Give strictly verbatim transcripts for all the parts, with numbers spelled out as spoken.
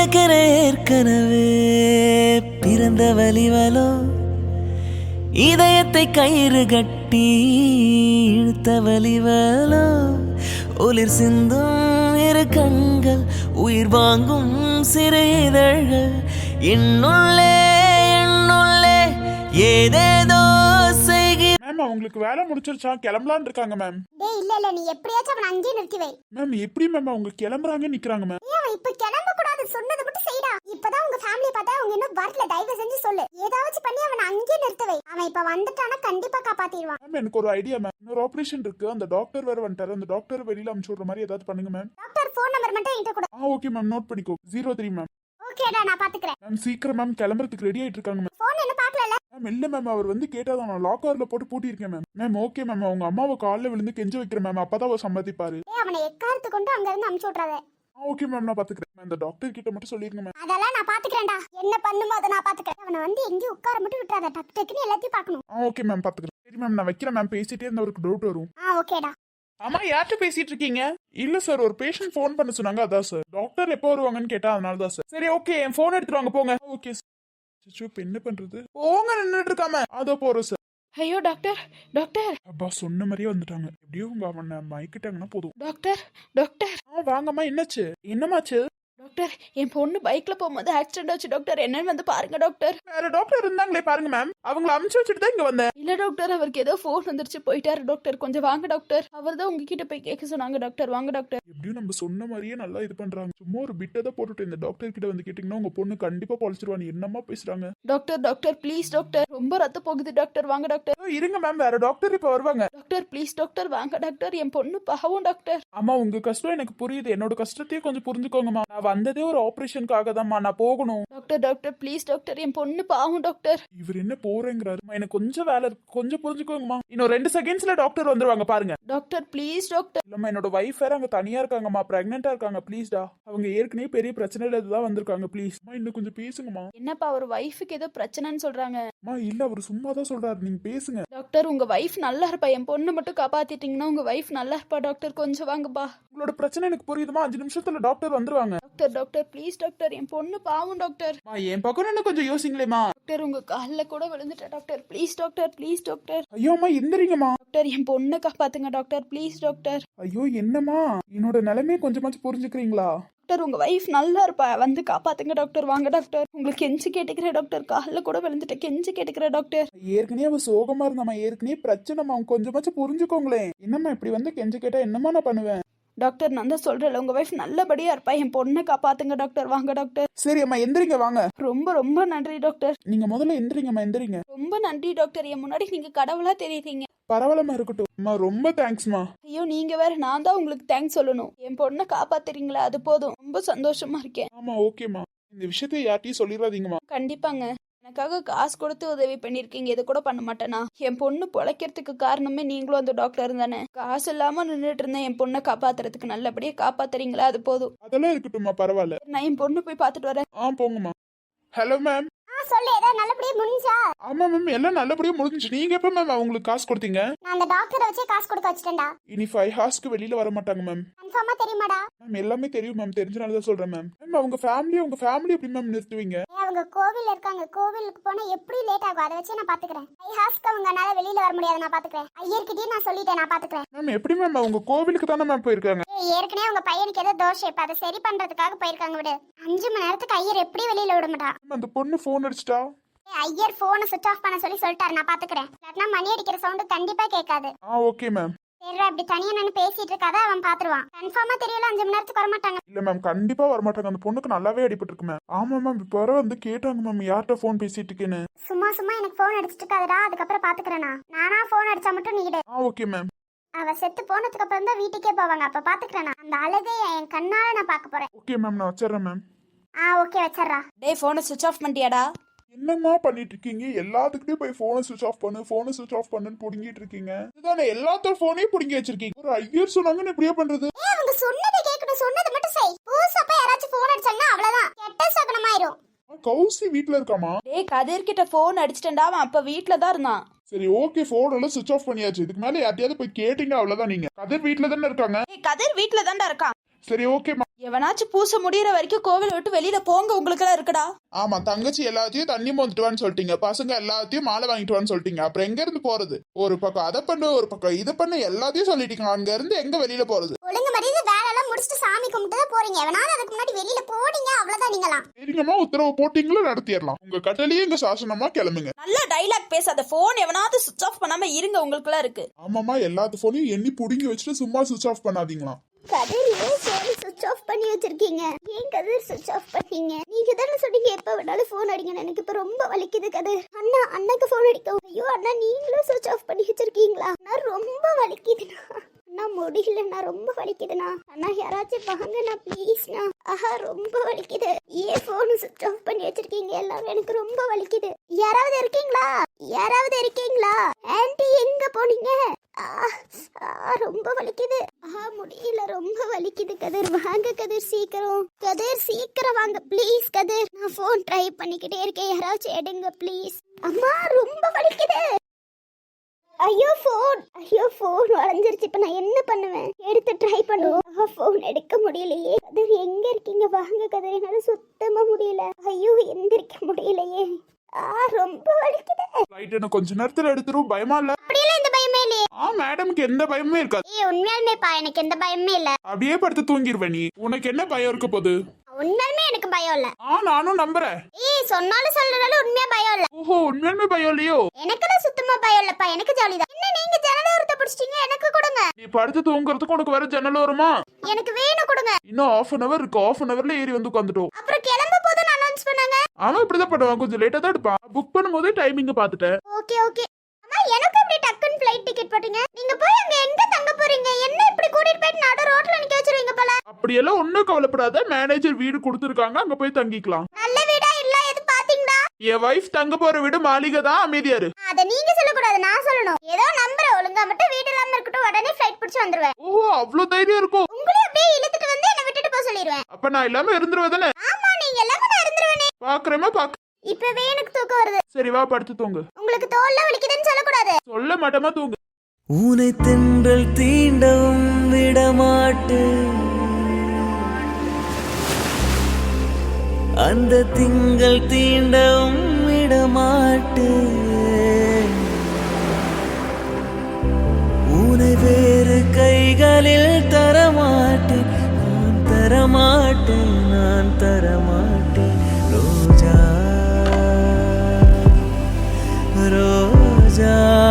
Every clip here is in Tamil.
எனக்கென ஏற்கனவே பிறந்த வலிவலோ இதயத்தை கயிறு கட்டி இழுத்த வலிவலோ ஒளிர் சிந்தும் இரு கண்கள் உயிர் வாங்கும் சிறு இதழ்கள் என்னுள்ளே என்னுள்ளே ஏதேதோ செய்கிறேன். மேம் அவங்களுக்கு வேலை முடிச்சிருச்சா கிளம்பலான்னு இருக்காங்க மேம். டேய் இல்ல இல்ல நீ எப்படியாச்சும் அவனை அங்கேயே நிறுத்தி வை. மேம் எப்படி மேம் அவங்க கிளம்புறாங்க நிக்கிறாங்க மேம். ஏன் அவன் இப்ப கிளம்ப கூடாது சொன்னது மட்டும் செய்டா. இப்பதான் உங்க ஃபேமிலி பார்த்தா அவங்க இன்னும் வரல, தயவு செஞ்சு சொல்லு. ஏதாச்சும் பண்ணி அவனை அங்கேயே நிறுத்தி வை. அவன் இப்ப வந்துட்டானா கண்டிப்பா காப்பாத்திடுவான். மேம் எனக்கு ஒரு ஐடியா மேம். இன்னொரு ஆபரேஷன் இருக்கு, அந்த டாக்டர் வேற வந்துட்டாரு. அந்த டாக்டர் வெளியில அனுப்பிச்சு விடுற மாதிரி ஏதாவது பண்ணுங்க மேம். டாக்டர் ஃபோன் நம்பர் மட்டும் என்கிட்ட கொடு. ஆ ஓகே மேம், நோட் பண்ணிக்கோ. Zero three ma'am. ஓகேடா நான் பாத்துக்கறேன். மேம் சீக்கிரம் மேம் கிளம்புறதுக்கு ரெடி ஆயிட்டு இருக்காங்க மேம். ஃபோன் என்ன பார்க்கலல? மேம் இல்ல மேம், அவர் வந்து கேட்டாதான் நான் லாக்கர்ல போட்டு பூட்டி இருக்கேன் மேம். மேம் ஓகே மேம், அவங்க அம்மாவை காலில் விழுந்து கெஞ்ச வைக்கிறேன் மேம், அப்பதான் அவர் சம்மதிப்பாரு. ஏய் அவனை எக்காரத்து கொண்டு அங்க இருந்து அனுப்பிச்சு விட்றாத. ஆ ஓகே மேம், நான் பாத்துக்கிறேன். மேம் இந்த டாக்டர் கிட்ட மட்டும் சொல்லிருங்க மேம். அதெல்லாம் நான் பாத்துக்கறேன்டா. என்ன பண்ணுமோ அத நான் பாத்துக்கறேன். அவனை வந்து எங்க உட்கார மட்டும் விட்றாத, டக் டக்னு எல்லாத்தையும் பார்க்கணும். ஆ ஓகே மேம் பாத்துக்கிறேன். சரி மேம் நான் வைக்கிறேன் மேம். பேசிட்டே இருந்தவருக்கு டவுட் வரும். ஆ ஓகேடா. அம்மா யார்கிட்ட பேசிட்டு இருக்கீங்க? இல்ல சார், ஒரு பேஷண்ட் ஃபோன் பண்ண சொன்னாங்க, அதான் சார். டாக்டர் எப்போ வருவாங்கன்னு கேட்டா அதனால தான் சார். சரி ஓகே, என் ஃபோன் எடுத்துட்டு வாங்க போங்க. Okay sir. இப்போ என்ன பண்றது? போங்க, நின்னுட்டு இருக்காம. அதோ போறோம் சார். ஐயோ டாக்டர் டாக்டர். அப்பா சொன்ன மாதிரியே வந்துட்டாங்க. எப்படியோ உங்க அவனை மயக்கிட்டாங்கன்னா போதும். Doctor doctor. ஆ வாங்கம்மா, என்னாச்சு? என்னமாச்சு? டாக்டர் என் பொண்ணு பைக்ல போகும்போது ஆக்சிடென்ட் ஆச்சு டாக்டர், என்னன்னு வந்து பாருங்க டாக்டர். வேற டாக்டர் இருந்தாங்களே பாருங்க மேம், அவங்கள அனுப்பிச்சு வச்சுட்டு தான் இங்க வந்தேன். இல்ல டாக்டர், அவருக்கு ஏதோ ஃபோன் வந்துருச்சு, போயிட்டாரு டாக்டர். கொஞ்சம் வாங்க டாக்டர். அவர் தான் உங்ககிட்ட போய் கேட்க சொன்னாங்க டாக்டர். வாங்க டாக்டர். எப்படியும் நம்ம சொன்ன மாதிரியே நல்லா இது பண்றாங்க. சும்மா ஒரு பிட்டை போட்டுட்டு இந்த டாக்டர் கிட்ட வந்து கேட்டீங்கன்னா உங்க பொண்ணு கண்டிப்பா பொழைச்சிருவாங்க. என்னமா பேசுறாங்க? டாக்டர் டாக்டர் ப்ளீஸ் டாக்டர், ரொம்ப ரத்தம் போகுது டாக்டர். வாங்க டாக்டர். இதோ இருங்க மேம், வேற டாக்டர் இப்ப வருவாங்க. டாக்டர் ப்ளீஸ் டாக்டர், வாங்க டாக்டர். என் பொண்ணு பாவம் டாக்டர். அம்மா உங்க கஷ்டம் எனக்கு புரியுது, என்னோட கஷ்டத்தையும் கொஞ்சம் புரிஞ்சுக்கோங்கம்மா. நான் வந்ததே ஒரு ஆபரேஷனுக்காக தான்மா, நான் போகணும். டாக்டர் டாக்டர் ப்ளீஸ் டாக்டர், என் பொண்ணு பாவம் டாக்டர். இவர் என்ன போறேங்கிறாரு? எனக்கு கொஞ்சம் வேலை இருக்கு, கொஞ்சம் புரிஞ்சுக்கோங்கம்மா. இன்னும் ரெண்டு செகண்ட்ஸ்ல டாக்டர் வந்துருவாங்க பாருங்க. Doctor please doctor. இல்லம்மா, என்னோட வைஃப் வேற அங்க தனியா இருக்காங்கம்மா, பிரெக்னெண்டா இருக்காங்க. ப்ளீஸ்டா, அவங்க ஏற்கனவே பெரிய பிரச்சனையில இதுதான் வந்திருக்காங்க. ப்ளீஸ் இன்னும் கொஞ்சம் பேசுங்கம்மா. என்னப்பா ஒரு வைஃபுக்கு ஏதோ பிரச்சனைன்னு சொல்றாங்க? அம்மா இல்ல, அவர் சும்மா தான் சொல்றாரு, நீங்க பேசுங்க. டாக்டர் உங்க வைஃப் நல்லா இருப்பா, என் பொண்ணு மட்டும் காப்பாத்திட்டீங்கன்னா உங்க வைஃப் நல்லா இருப்பா டாக்டர். கொஞ்சம் வாங்கப்பா. உங்களோட பிரச்சனை எனக்கு புரியுதுமா, அஞ்சு நிமிஷத்துல டாக்டர் வந்துருவாங்க. டாக்டர் டாக்டர் ப்ளீஸ் டாக்டர், என் பொண்ணு பாவம் டாக்டர். என் பக்கம் இன்னும் கொஞ்சம் யோசிங்களேமா. டாக்டர் உங்க காலில் கூட விழுந்துட்டேன் doctor. Please doctor please doctor. ஐயோ அம்மா எந்திரிங்கம்மா. டாக்டர் என் பொண்ணை காப்பாத்துங்க டாக்டர், ப்ளீஸ் டாக்டர். ஐயோ என்னம்மா, என்னோட நிலைமையை கொஞ்சமாச்சும் புரிஞ்சுக்கிறீங்களா? டாக்டர் உங்க வைஃப் நல்லா இருப்பா, வந்து காப்பாத்துங்க டாக்டர். வாங்க டாக்டர். உங்களுக்கு கெஞ்சி கேட்டுக்கிறேன் டாக்டர், காலில் கூட விழுந்துட்டேன், கெஞ்சி கேட்டுக்கிறேன் டாக்டர். ஏற்கனவே அவ சோகமா இருந்தாமா, ஏற்கனவே பிரச்சனைமா, அவங்க கொஞ்சமாச்சும் புரிஞ்சுக்கோங்களேன். என்னம்மா இப்படி வந்து கெஞ்சி கேட்டா என்னம்மா நான் பண்ணுவேன்? டாக்டர் நான் தான் சொல்றேன், உங்க வைஃப் நல்லபடியா இருப்பா, என் பொண்ணை காப்பாத்துங்க டாக்டர். வாங்க டாக்டர். சரி அம்மா எந்திரிங்க, வாங்க. ரொம்ப ரொம்ப நன்றி டாக்டர். நீங்க முதல்ல எந்திரிங்கம்மா, எந்திரிங்க. ரொம்ப நன்றி டாக்டர், என் முன்னாடி நீங்க கடவுளா தெரியுறீங்க. பரவாயில்லமா இருக்கட்டும் அம்மா, ரொம்ப தேங்க்ஸ்மா. ஐயோ நீங்க வேற, நான் தான் உங்களுக்கு தேங்க்ஸ் சொல்லணும். என் பொண்ணை காப்பாத்துறீங்களா, அது போதும். ரொம்ப சந்தோஷமா இருக்கேன். ஆமா ஓகேம்மா, இந்த விஷயத்தை யார்ட்டையும் சொல்லிடாதீங்கம்மா. கண்டிப்பாங்க. எனக்காக காசு கொடுத்து உதவி பண்ணிருக்கீங்க, இது கூட பண்ண மாட்டேனா? என் பொண்ணு பொழைக்கிறதுக்கு காரணமே நீங்களும் அந்த டாக்டர் தானே. காசு இல்லாம நின்றுட்டு இருந்தேன், என் பொண்ணை காப்பாத்துறதுக்கு நல்லபடியா காப்பாத்துறீங்களா, அது போதும். அதெல்லாம் இருக்கட்டும்மா, பரவாயில்ல. நான் என் பொண்ணு போய் பாத்துட்டு வரேன். ஆ போங்கம்மா. Hello ma'am. சொல்லு, ஏதோ நல்லபடியா முடிஞ்சா? ஆமா மேம், எல்லாம் நல்லபடியா முடிஞ்சுச்சு. நீங்க எப்ப மேம் அவங்களுக்கு காசு கொடுத்தீங்க? நான் அந்த டாக்டரை வச்சே காசு கொடுக்க வச்சிட்டேன்டா. இனி ஃபைவ் ஹார்ஸ்க்கு வெளியில வர மாட்டாங்க மேம். கன்ஃபார்மா தெரியுமாடா? மேம் எல்லாமே தெரியும் மேம், தெரிஞ்சனால தான் சொல்றேன் மேம். மேம் அவங்க ஃபேமிலி, உங்க ஃபேமிலி எப்படி மேம் நிறுத்துவீங்க? அவங்க கோவில் இருக்காங்க, கோவிலுக்கு போனா எப்படி லேட் ஆகும், அதை வச்சு நான் பாத்துக்கிறேன். ஐ ஹாஸ்க்கு அவங்கனால வெளியில வர முடியாது, நான் பாத்துக்கிறேன். ஐயர்கிட்டயே நான் சொல்லிட்டேன், நான் பாத்துக்கிறேன். மேம் எப்படி மேம் அவங்க கோவிலுக்கு தானே மேம் போயிருக்காங்க? ஏய் ஏற்கனவே உங்க பையனுக்கு ஏதோ தோஷம், இப்ப அதை சரி பண்றதுக்காக போயிருக்காங்க. விடு, அஞ்சு மணி நேரத்துக்கு ஐயர் எப்படி வெளியில விட மாட்டான். அந்த பொண்ணு போன் அடிச்சிட்டா? ஐயர் போனை சுவிட்ச் ஆஃப் பண்ண சொல்லி சொல்லிட்டாரு, நான் பாத்துக்கிறேன். இல்லாட்டினா மணி அடிக்கிற சவுண்ட் கண்டிப்பா கேட்காது. ஆ ஓகே மேம். சரி அப்படி தனியா நின்னு பேசிட்டு இருக்காத, அவன் பாத்துருவான். கன்ஃபார்மா தெரியல, அஞ்சு மணி நேரத்துக்கு வர மாட்டாங்க. இல்ல மேம், கண்டிப்பா வர மாட்டாங்க. அந்த பொண்ணுக்கு நல்லாவே அடிபட்டு இருக்கு மேம். ஆமா மேம், இப்ப வர வந்து கேட்டாங்க மேம் யார்கிட்ட போன் பேசிட்டு இருக்கேன்னு. சும்மா சும்மா எனக்கு போன் அடிச்சிட்டு இருக்காதடா, அதுக்கப்புறம் பாத்துக்கிறேனா. நானா போன் அடிச்சா மட்டும் நீடு. ஆ ஓகே மேம். அவ செத்து போனதுக்கு அப்புறம் தான் வீட்டுக்கே போவாங்க, அப்ப பாத்துக்கிறேனா. அந்த அழகைய என் கண்ணால நான் பாக்க போறேன். ஓகே மேம், நான் வச்சிடறேன் மேம். ஆ ஓகே வச்சிடறா. டேய் போனை சுவிட்ச் ஆஃப் பண்ணிட்டியாடா? என்னம்மா பண்ணிட்டு இருக்கீங்க? எல்லாத்துக்கிட்டையும் போய் போனை சுவிச் ஆஃப் பண்ணு, போனை சுவிச் ஆஃப் பண்ணுன்னு புடுங்கிட்டு இருக்கீங்க. இதுதானே எல்லாத்தோட போனையும் புடுங்கி வச்சிருக்கீங்க. ஒரு ஐயர் சொன்னாங்கன்னு இப்படியே பண்றது? ஏய் அவங்க சொன்னதை கேட்கணும், சொன்னது மட்டும் செய். புதுசா போய் யாராச்சும் போன் அடிச்சாங்கன்னா அவ்வளவுதான், கெட்ட சகுனமாயிரும். கௌசி வீட்ல இருக்காமா? டேய் கதிர் கிட்ட போன் அடிச்சிட்டேன்டா, அவன் அப்ப வீட்ல தான் இருந்தான். சரி ஓகே, போன் எல்லாம் சுவிச் ஆஃப் பண்ணியாச்சு. இதுக்கு மேல யார்ட்டையாவது போய் கேட்டீங்க அவ்வளவுதான். நீங்க கதிர் வீட்ல தானே இருக்காங்க? டேய் கதிர் வீட்ல தான்டா இருக்கான். சரி ஓகேமா. எவனாச்சும் பூச முடியற வரைக்கும் கோவில் விட்டு வெளியில போங்க, உங்களுக்கு எல்லாம் இருக்குடா. ஆமா, தங்கச்சி எல்லாத்தையும் தண்ணி மோந்துட்டு வான்னு சொல்லிட்டீங்க, பசங்க எல்லாத்தையும் மாலை வாங்கிட்டு வான்னு சொல்லிட்டீங்க, அப்புறம் எங்க இருந்து போறது? ஒரு பக்கம் அதை பண்ணு, ஒரு பக்கம் இதை பண்ணு, எல்லாத்தையும் சொல்லிட்டீங்க, அங்க இருந்து எங்க வெளியில போறது? ஒழுங்கு மரியாதை வேலை எல்லாம் முடிச்சுட்டு சாமி கும்பிட்டு தான் போறீங்க. எவனாலும் அதுக்கு முன்னாடி வெளியில போனீங்க அவ்வளவுதான் நீங்களாம். சரிங்கம்மா, உத்தரவு போட்டீங்களா? நடத்திடலாம். உங்க கட்டளையே எங்க சாசனமா, கிளம்புங்க. நல்ல டைலாக் பேசாத, போன் எவனாவது சுவிட்ச் ஆஃப் பண்ணாம இருங்க, உங்களுக்கு எல்லாம் இருக்கு. ஆமாமா, எல்லாத்து போனையும் எண்ணி புடுங்கி வச்சுட்டு சும்மா சுவிச் ஆஃப் பண்ணாதீங்களாம். கதிர் ஏன் போன் சுவிட்ச் ஆஃப் பண்ணி வச்சிருக்கீங்க? ஏன் கதிர் சுவிட்ச் ஆஃப் பண்ணீங்க? நீங்க தானே சொன்னீங்க எப்ப வேணாலும் போன் அடிங்க. எனக்கு இப்ப ரொம்ப வலிக்குது கதிர். அண்ணா அண்ணாக்கு போன் அடிக்கும். ஐயோ அண்ணா, நீங்களும் சுவிட்ச் ஆஃப் பண்ணி வச்சிருக்கீங்களா? அண்ணா ரொம்ப வலிக்குதுண்ணா. அண்ணா முடியலண்ணா, ரொம்ப வலிக்குதுண்ணா. அண்ணா யாராச்சும் வாங்கண்ணா ப்ளீஸ்ண்ணா. ஆஹா ரொம்ப வலிக்குது. ஏன் போன் சுவிட்ச் ஆஃப் பண்ணி வச்சிருக்கீங்க? எல்லாரும் எனக்கு ரொம்ப வலிக்குது. யாராவது இருக்கீங்களா? யாராவது இருக்கீங்களா? ஆன்ட்டி எங்க போனீங்க? ரொம்ப வலிக்குது. ஆ முடியல, ரொம்ப வலிக்குது கதிர். வாங்க கதிர், சீக்கிரம் கதிர், சீக்கிரம் வாங்க ப்ளீஸ் கதிர். நான் ஃபோன் ட்ரை பண்ணிக்கிட்டே இருக்கேன், யாராச்சும் எடுங்க ப்ளீஸ். அம்மா ரொம்ப வலிக்குது. ஐயோ ஃபோன், ஐயோ ஃபோன் வளைஞ்சிருச்சு. இப்ப நான் என்ன பண்ணுவேன்? எடுத்து ட்ரை பண்ணுவோம். ஃபோன் எடுக்க முடியலையே. கதிர் எங்க இருக்கீங்க? வாங்க கதிர், என்னால சுத்தமா முடியல. ஐயோ எந்திரிக்க முடியலையே. ஆ ரொம்ப வலிக்குது. ரைட், என்ன கொஞ்ச நேரத்துல எடுத்துரும், பயமா இல்ல? அப்படியெல்லாம் இந்த பயமே இல்லையே. ஆ மேடம்க்கு எந்த பயமே இருக்காது. ஏய் உண்மையாலுமே பா, எனக்கு எந்த பயமே இல்ல. அப்படியே படுத்து தூங்கிடுவேன். நீ உனக்கு என்ன பயம் இருக்க போகுது? உண்மையாலுமே எனக்கு பயம் இல்ல. ஆ நானும் நம்புறேன். ஏய் சொன்னாலும் சொல்றதால உண்மையா பயம் இல்ல. ஓஹோ, உண்மையாலுமே பயம் இல்லையோ? எனக்கெல்லாம் சுத்தமா பயம் இல்லப்பா, எனக்கு ஜாலிதான். என்ன நீங்க ஜன்னல ஓரத்தை பிடிச்சிட்டீங்க? எனக்கு கொடுங்க. நீ படுத்து தூங்குறதுக்கு உனக்கு வேற ஜன்னல் வருமா? எனக்கு வேணும் கொடுங்க. இன்னும் half an hour இருக்கு. half an hourல ஏறி வந்து உட்காந்துட்டோம். அப்புறம் கிளம்ப போதும் அனௌன்ஸ் பண்ணாங்க. அவன் இப்படிதான் பண்ணுவான், கொஞ்சம் லேட்டா தான் எடுப்பான். புக் பண்ணும்போது டைமிங்க பாத்துட்டேன். Okay okay. அம்மா எனக்கு அப்படியே டக்குன்னு ஃளைட் டிக்கெட் போட்டீங்க. நீங்க போய் அங்க எங்க தங்க போறீங்க? என்ன இப்படி கூட்டிட்டு போய் நடு ரோட்ல நிக்க வச்சிருவீங்க போல. அப்படியெல்லாம் ஒண்ணும் கவலைப்படாத, மேனேஜர் வீடு கொடுத்துருக்காங்க, அங்க போய் தங்கிக்கலாம். நல்ல வீடா இல்ல எது பாத்தீங்களா? என் வைஃப் தங்க போற வீடு மாளிகை தான், அமைதியாரு. அத நீங்க சொல்ல கூடாது, நான் சொல்லணும். ஏதோ நம்பர் ஒழுங்கா மட்டும் வீடு இல்லாம இருக்கட்டும், உடனே ஃளைட் பிடிச்சு வந்துருவேன். ஓஹோ, அவ்வளவு தைரியம் இருக்கும். உங்களே அப்படியே இழுத்துட்டு வந்து என்ன விட்டுட்டு போக சொல்லிடுவேன். அப்ப நான் இல்லாம இருந்துருவேதானே? ஆமா நீங்க எல்லாமே நான் இருந்துருவேனே. பாக்குறேமா பாக்க. இப்பவே எனக்கு தூக்கம் வருது. சரி வா, படுத்து தூங்கு. உங்களுக்கு தோல்ல வலிக்குதுன்னு சொல்லக்கூடாது. சொல்ல மாட்டமா, தூங்கு. ஊனை தென்றல் தீண்டவும் விடமாட்டு, அந்த திங்கள் தீண்டவும் விடமாட்டு, ஊனை வேறு கைகளில் தரமாட்டேன், நான் தரமாட்டேன், நான் தரமாட்டேன். ரோஜா ரோஜா.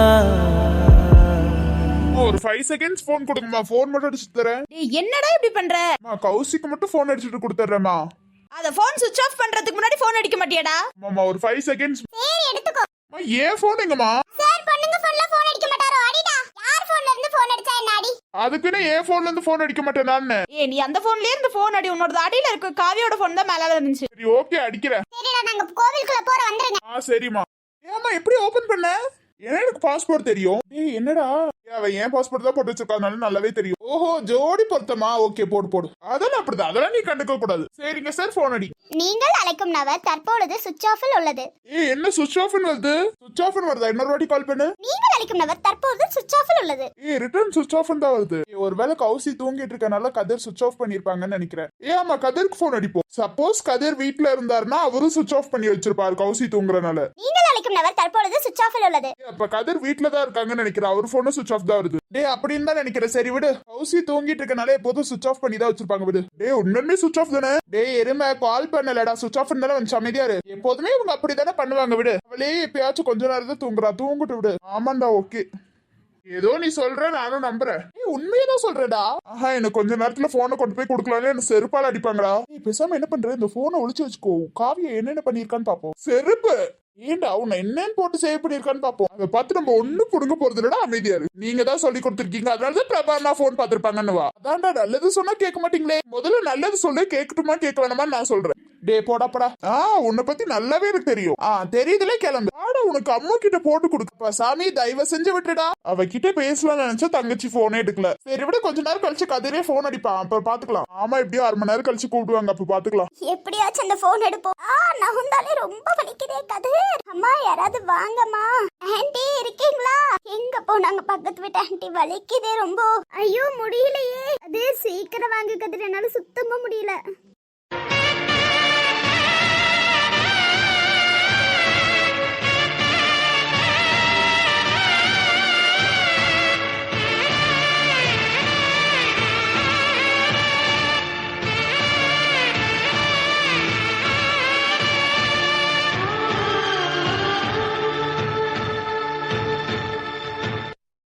ஒரு ஃபைவ் செகண்ட்ஸ் போன் கொடுங்கம்மா, போன் மட்டும் அடிச்சு தரேன். டேய் என்னடா இப்படி பண்ற? கௌசிக்கு மட்டும் போன் அடிச்சுட்டு கொடுத்துறேம்மா. அத போன் சுவிட்ச் ஆஃப் பண்றதுக்கு முன்னாடி போன் அடிக்க மாட்டியாடா? மாமா ஒரு ஃபைவ் செகண்ட்ஸ். சரி எடுத்துக்கோ. ஏன் போன் எங்கம்மா? சார் பொண்ணுங்க போன்ல போன் அடிக்க மாட்டாரோ? அடிடா. யார் போன்ல இருந்து போன் அடிச்சா என்ன அடி? அதுக்குன்னு ஏன் போன்ல இருந்து போன் அடிக்க மாட்டேன் நான். ஏ நீ அந்த போன்லயே இருந்து போன் அடி, உன்னோட அடியில இருக்க காவியோட போன் தான் மேல இருந்துச்சு. சரி ஓகே, அடிக்கிறேன். சரிடா, நாங்க கோவிலுக்குள்ள போற வந்துருங்க. ஆ சரிம்மா. ஏமா எப்படி ஓபன் பண்ண? ஏன்னா எனக்கு பாஸ்போர்ட் தெரியும். ஏய் என்னடா, அவன் ஏன் பாஸ்போர்ட் தான் போட்டு வச்சிருக்காங்க, நல்லாவே தெரியும். ஓஹோ, ஜோடி பொருத்தமா? ஓகே போடு போடு. அதெல்லாம் அப்படிதான், அதெல்லாம் நீ கண்டுக்க கூடாது. சரிங்க சார், போன் அடி. நீங்கள் அழைக்கும் நபர் தற்பொழுது சுவிட்ச் ஆஃபில் உள்ளது. ஏய் என்ன சுவிட்ச் ஆஃப் வருது? சுவிட்ச் ஆஃப் வருதா? இன்னொரு வாட்டி கால் பண்ணு. நீங்கள் அழைக்கும் நபர் தற்பொழுது சுவிட்ச் ஆஃபில் உள்ளது. ஏய் ரிட்டர்ன் சுவிட்ச் ஆஃப் தான் வருது. ஏய் ஒருவேளை கௌசி தூங்கிட்டு இருக்கனால கதிர் சுவிட்ச் ஆஃப் பண்ணிருப்பாங்கன்னு நினைக்கிறேன். ஏ ஆமா, கதிருக்கு போன் அடிப்போம். சப்போஸ் கதிர் வீட்ல இருந்தாருன்னா அவரும் சுவிட்ச் ஆஃப் பண்ணி வச்சிருப்பாரு கௌசி தூங்குறனால. நீங்கள் அழைக்கும் நபர் தற்பொழுது சுவிட்ச் ஆஃபில் உள்ளது. அப்ப கதிர் வீட்ல தான் இருக்காங்கன்னு நினைக்கிறேன், அவர் போனும் சுவிட்ச் ஆஃப் தான் வருது. டேய் அப்படின்னு தான் நினைக்கிறேன். சரி விடு, கௌசி தூங்கிட்டு இருக்கனால எப்போதும் சுவிட்ச் ஆஃப் பண்ணி தான் வச்சிருப்பாங்க விடு. டேய் உண்மையுமே சுவிட்ச் ஆஃப் தானே? டேய் எருமை, கால் பண்ணலடா, சுவிட்ச் ஆஃப் இருந்தாலும் வந்து அமைதியா இரு. எப்போதுமே இவங்க அப்படித்தானே பண்ணுவாங்க விடு. அவளே எப்பயாச்சும் கொஞ்ச நேரம் தான் தூங்குறா, தூங்கிட்டு விடு. ஆமாண்டா ஓகே. ஏதோ நீ சொல்ற, நானும் நம்புறேன். நீ உண்மையதான் சொல்றடா. ஆஹா, எனக்கு கொஞ்ச நேரத்துல போனை கொண்டு போய் கொடுக்கலான்னு என்ன செருப்பால அடிப்பாங்களா? நீ பேசாம என்ன பண்ற, இந்த போனை ஒளிச்சு வச்சுக்கோ. காவியா என்னென்ன பண்ணிருக்கான்னு பாப்போம். செருப்பு ஏண்டா உன்னை என்னன்னு போட்டு சேவ் பண்ணிருக்கான்னு பாப்போம். அதை பார்த்து நம்ம ஒண்ணும் புடுங்க போறது இல்லடா, அமைதியா இரு. நீங்க தான் சொல்லி கொடுத்துருக்கீங்க, அதனாலதான் பிரபாமா போன் பாத்திருப்பாங்கன்னு வா. அதான்டா, நல்லது சொன்னா கேட்க மாட்டீங்களே. முதல்ல நல்லது சொல்லு, கேட்கட்டுமா கேட்க வேணாமா நான் சொல்றேன். டே போடா போடா. ஆ உன்னை பத்தி நல்லாவே எனக்கு தெரியும். ஆ தெரியுதுல, கிளம்பு. ஆடா உனக்கு அம்மா கிட்ட போட்டு கொடுக்கப்பா சாமி, தயவு செஞ்சு விட்டுடா. அவகிட்ட பேசலாம்னு நினைச்சா தங்கச்சி போனே எடுக்கல. சரி விட, கொஞ்ச நேரம் கழிச்சு கதிரே போன் அடிப்பான், அப்ப பாத்துக்கலாம். ஆமா, எப்படியோ அரை மணி நேரம் கழிச்சு கூப்பிடுவாங்க, அப்ப பாத்துக்கலாம். எப்படியாச்சும் அந்த போன் எடுப்போம். ஆ நகுந்தாலே ரொம்ப வலிக்குதே கதிர். அம்மா யாராவது வாங்கம்மா. ஆன்ட்டி இருக்கீங்களா? எங்க போனாங்க பக்கத்து வீட்டு ஆன்ட்டி? வலிக்குதே ரொம்ப. ஐயோ முடியலையே. அது சீக்கிரம் வாங்க கதிர், என்னால சுத்தமா முடியல.